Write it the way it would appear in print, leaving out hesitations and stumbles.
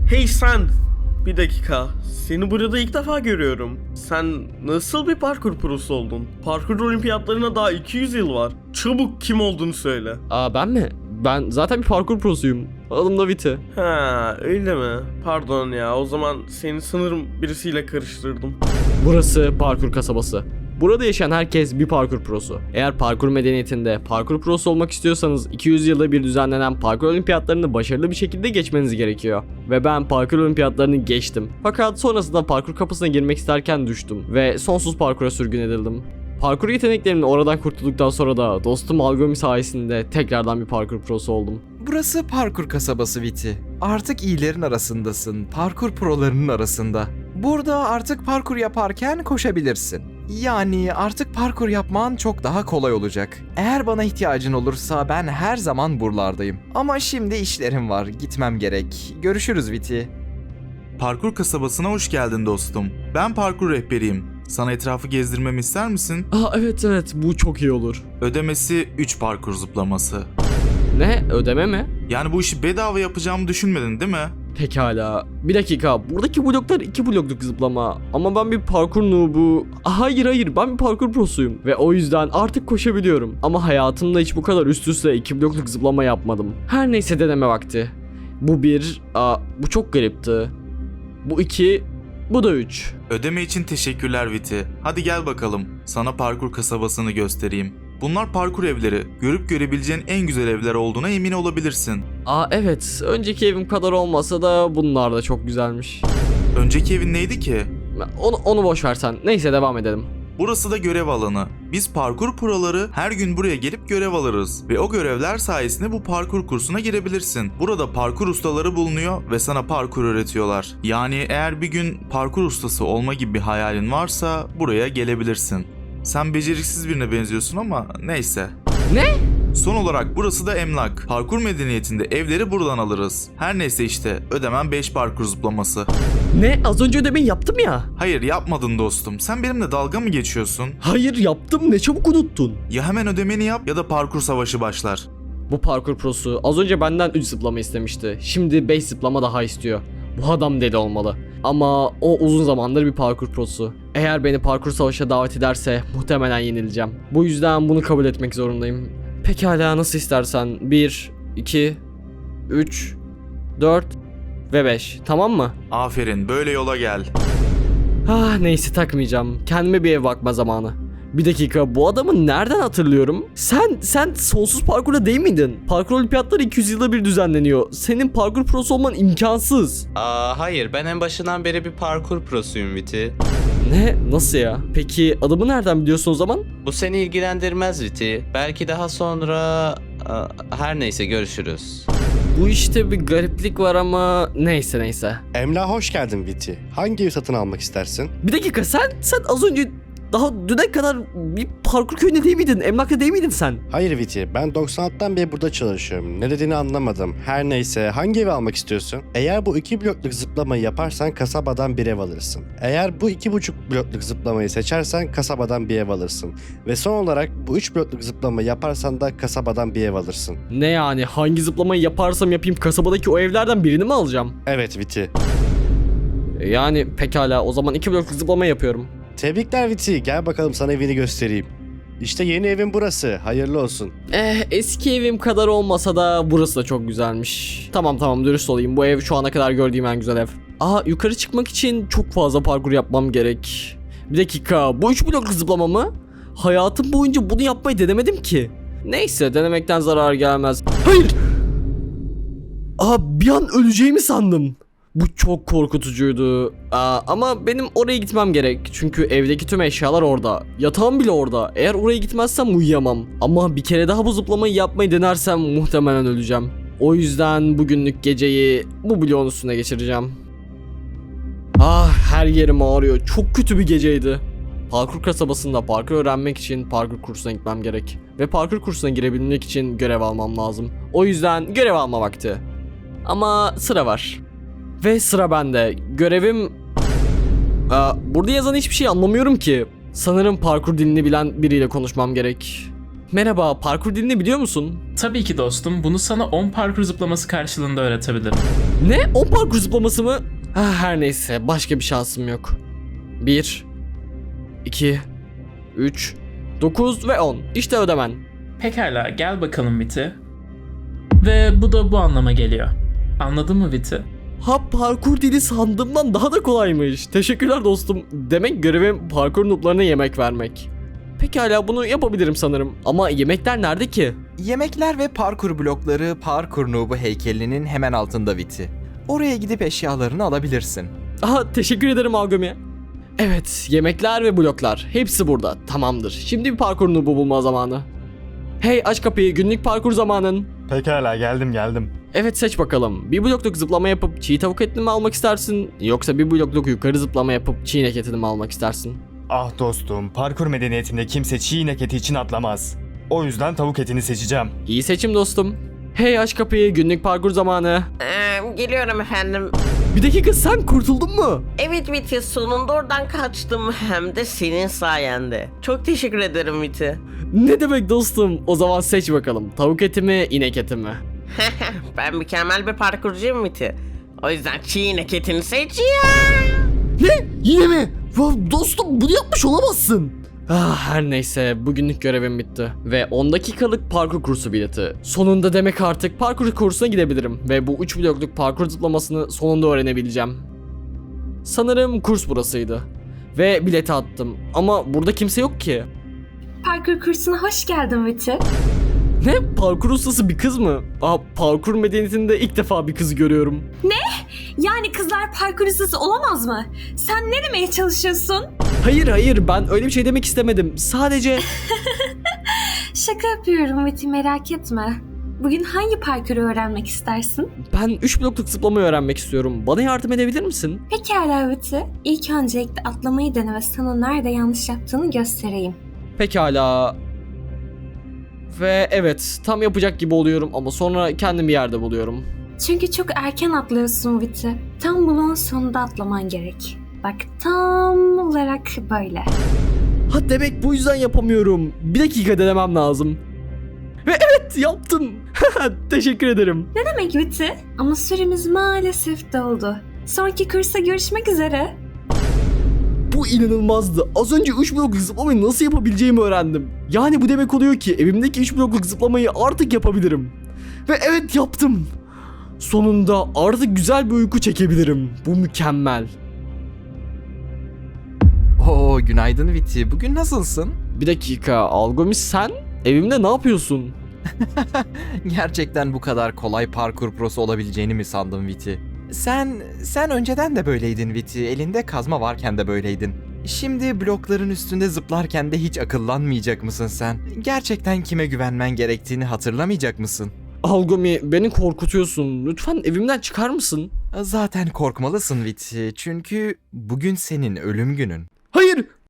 Hey sen! Bir dakika. Seni burada ilk defa görüyorum. Sen nasıl bir parkur prosu oldun? Parkur olimpiyatlarına daha 200 yıl var. Çabuk kim olduğunu söyle. Ben mi? Ben zaten bir parkur prosuyum. Adım da Viti. Ha, öyle mi? Pardon ya, o zaman seni sanırım birisiyle karıştırdım. Burası parkur kasabası. Burada yaşayan herkes bir parkur prosu. Eğer parkur medeniyetinde parkur prosu olmak istiyorsanız 200 yılda bir düzenlenen parkur olimpiyatlarını başarılı bir şekilde geçmeniz gerekiyor. Ve ben parkur olimpiyatlarını geçtim. Fakat sonrasında parkur kapısına girmek isterken düştüm ve sonsuz parkura sürgün edildim. Parkur yeteneklerimle oradan kurtulduktan sonra da dostum Algomi sayesinde tekrardan bir parkur prosu oldum. Burası parkur kasabası Viti. Artık iyilerin arasındasın, parkur prolarının arasında. Burada artık parkur yaparken koşabilirsin. Yani artık parkur yapman çok daha kolay olacak. Eğer bana ihtiyacın olursa ben her zaman buralardayım. Ama şimdi işlerim var, gitmem gerek. Görüşürüz Viti. Parkur kasabasına hoş geldin dostum. Ben parkur rehberiyim. Sana etrafı gezdirmemi ister misin? Evet, bu çok iyi olur. Ödemesi 3 parkur zıplaması. Ne? Ödeme mi? Yani bu işi bedava yapacağımı düşünmedin değil mi? Pekala. Bir dakika. Buradaki bloklar 2 blokluk zıplama. Ama ben bir parkur noobu. Hayır. Ben bir parkur prosuyum. Ve o yüzden artık koşabiliyorum. Ama hayatımda hiç bu kadar üst üste 2 blokluk zıplama yapmadım. Her neyse deneme vakti. Bu 1. Bu çok garipti. Bu 2. Bu da 3. Ödeme için teşekkürler Viti. Hadi gel bakalım. Sana parkur kasabasını göstereyim. Bunlar parkur evleri. Görüp görebileceğin en güzel evler olduğuna emin olabilirsin. Evet. Önceki evim kadar olmasa da bunlar da çok güzelmiş. Önceki evin neydi ki? Onu boş ver sen. Neyse devam edelim. Burası da görev alanı. Biz parkur proları her gün buraya gelip görev alırız ve o görevler sayesinde bu parkur kursuna girebilirsin. Burada parkur ustaları bulunuyor ve sana parkur öğretiyorlar. Yani eğer bir gün parkur ustası olma gibi bir hayalin varsa buraya gelebilirsin. Sen beceriksiz birine benziyorsun ama neyse. Ne? Son olarak burası da emlak. Parkur medeniyetinde evleri buradan alırız. Her neyse işte ödemem 5 parkur zıplaması. Ne? Az önce ödemeyi yaptım ya. Hayır yapmadın dostum. Sen benimle dalga mı geçiyorsun? Hayır yaptım. Ne çabuk unuttun. Ya hemen ödemeni yap ya da parkur savaşı başlar. Bu parkur prosu az önce benden 3 zıplama istemişti. Şimdi 5 zıplama daha istiyor. Bu adam deli olmalı. Ama o uzun zamandır bir parkur prosu. Eğer beni parkur savaşa davet ederse muhtemelen yenileceğim. Bu yüzden bunu kabul etmek zorundayım. Pekala nasıl istersen. 1, 2, 3, 4 ve 5. Tamam mı? Aferin, böyle yola gel. Neyse takmayacağım. Kendime bir ev bakma zamanı. Bir dakika, bu adamı nereden hatırlıyorum? Sen sonsuz parkurda değil miydin? Parkur olimpiyatları 200 yılda bir düzenleniyor. Senin parkur prosu olman imkansız. Hayır, ben en başından beri bir parkur prosuyum Viti. Ne? Nasıl ya? Peki adamı nereden biliyorsun o zaman? Bu seni ilgilendirmez Viti. Belki daha sonra... her neyse görüşürüz. Bu işte bir gariplik var ama neyse. Emlak'a hoş geldin Viti. Hangi evi satın almak istersin? Bir dakika, sen az önce daha düne kadar bir parkur köyünde değil miydin? Emlakta değil miydin sen? Hayır Viti, ben 96'dan beri burada çalışıyorum. Ne dediğini anlamadım. Her neyse, hangi evi almak istiyorsun? Eğer bu 2 blokluk zıplamayı yaparsan kasabadan bir ev alırsın. Eğer bu 2,5 blokluk zıplamayı seçersen kasabadan bir ev alırsın. Ve son olarak bu 3 blokluk zıplamayı yaparsan da kasabadan bir ev alırsın. Ne yani? Hangi zıplamayı yaparsam yapayım kasabadaki o evlerden birini mi alacağım? Evet Viti. Yani pekala, o zaman 2 blokluk zıplama yapıyorum. Tebrikler Viti, gel bakalım sana evini göstereyim. İşte yeni evin burası, hayırlı olsun. Eski evim kadar olmasa da burası da çok güzelmiş. Tamam dürüst olayım, bu ev şu ana kadar gördüğüm en güzel ev. Yukarı çıkmak için çok fazla parkur yapmam gerek. Bir dakika, bu 3 blokluk zıplama mı? Hayatım boyunca bunu yapmayı denemedim ki. Neyse, denemekten zarar gelmez. Hayır! Bir an öleceğimi sandım. Bu çok korkutucuydu. Ama benim oraya gitmem gerek. Çünkü evdeki tüm eşyalar orada. Yatağım bile orada. Eğer oraya gitmezsem uyuyamam. Ama bir kere daha bu zıplamayı yapmayı denersem muhtemelen öleceğim. O yüzden bugünlük geceyi bu bloğun üstüne geçireceğim. Her yerim ağrıyor. Çok kötü bir geceydi. Parkur kasabasında parkur öğrenmek için parkur kursuna gitmem gerek. Ve parkur kursuna girebilmek için görev almam lazım. O yüzden görev alma vakti. Ama sıra var. Ve sıra bende. Görevim... burada yazan hiçbir şey anlamıyorum ki. Sanırım parkur dilini bilen biriyle konuşmam gerek. Merhaba, parkur dilini biliyor musun? Tabii ki dostum, bunu sana 10 parkur zıplaması karşılığında öğretebilirim. Ne? 10 parkur zıplaması mı? Her neyse, başka bir şansım yok. 1, 2, 3, 9 ve 10. İşte ödemen. Pekala, gel bakalım Viti. Ve bu da bu anlama geliyor. Anladın mı Viti? Ha, parkur dili sandığımdan daha da kolaymış. Teşekkürler dostum. Demek görevim parkur noob'larına yemek vermek. Pekala, bunu yapabilirim sanırım. Ama yemekler nerede ki? Yemekler ve parkur blokları parkur noob'u heykelinin hemen altında Viti. Oraya gidip eşyalarını alabilirsin. Aha, teşekkür ederim Agami. Evet, yemekler ve bloklar. Hepsi burada. Tamamdır. Şimdi bir parkur noob'u bulma zamanı. Hey, aç kapıyı. Günlük parkur zamanın. Pekala geldim. Evet, seç bakalım. Bir blokluk zıplama yapıp çiğ tavuk etini mi almak istersin? Yoksa bir blokluk yukarı zıplama yapıp çiğ inek etini mi almak istersin? Ah dostum, parkur medeniyetinde kimse çiğ inek eti için atlamaz. O yüzden tavuk etini seçeceğim. İyi seçim dostum. Hey, aç kapıyı. Günlük parkur zamanı. Geliyorum efendim. Bir dakika, sen kurtuldun mu? Evet Viti, sonunda oradan kaçtım, hem de senin sayende. Çok teşekkür ederim Viti. Ne demek dostum? O zaman seç bakalım. Tavuk eti mi, inek eti mi? Ben mükemmel bir parkurcuyum Viti. O yüzden çiğ inek etini seçiyorum. Ne? Yine mi? Dostum, bunu yapmış olamazsın. Her neyse, bugünlük görevim bitti. Ve 10 dakikalık parkur kursu bileti. Sonunda demek artık parkur kursuna gidebilirim. Ve bu 3 blokluk parkur zıplamasını sonunda öğrenebileceğim. Sanırım kurs burasıydı. Ve bileti attım. Ama burada kimse yok ki. Parkur kursuna hoş geldin Viti. Ne? Parkur ustası bir kız mı? Parkur medeniyetinde ilk defa bir kız görüyorum. Yani kızlar parkur ustası olamaz mı? Sen ne demeye çalışıyorsun? Hayır, ben öyle bir şey demek istemedim. Sadece... Şaka yapıyorum Viti, merak etme. Bugün hangi parkuru öğrenmek istersin? Ben 3 blokluk zıplamayı öğrenmek istiyorum. Bana yardım edebilir misin? Pekala Viti. İlk öncelikle atlamayı dene ve sana nerede yanlış yaptığını göstereyim. Pekala. Ve evet, tam yapacak gibi oluyorum ama sonra kendimi bir yerde buluyorum. Çünkü çok erken atlıyorsun Viti. Tam bloğun sonunda atlaman gerek. Bak, tam olarak böyle. Ha, demek bu yüzden yapamıyorum. Bir dakika denemem lazım. Ve evet, yaptım. Teşekkür ederim. Ne demek Viti? Ama süremiz maalesef doldu. Sonraki kursa görüşmek üzere. Bu inanılmazdı. Az önce 3 blokluk zıplamayı nasıl yapabileceğimi öğrendim. Yani bu demek oluyor ki evimdeki 3 blokluk zıplamayı artık yapabilirim. Ve evet, yaptım. Sonunda artık güzel bir uyku çekebilirim. Bu mükemmel. Oo, günaydın Viti. Bugün nasılsın? Bir dakika, Algomis, sen evimde ne yapıyorsun? Gerçekten bu kadar kolay parkur prosu olabileceğini mi sandın Viti? Sen önceden de böyleydin Viti. Elinde kazma varken de böyleydin. Şimdi blokların üstünde zıplarken de hiç akıllanmayacak mısın sen? Gerçekten kime güvenmen gerektiğini hatırlamayacak mısın? Algomi, beni korkutuyorsun. Lütfen evimden çıkar mısın? Zaten korkmalısın Viti. Çünkü bugün senin ölüm günün. Hayır,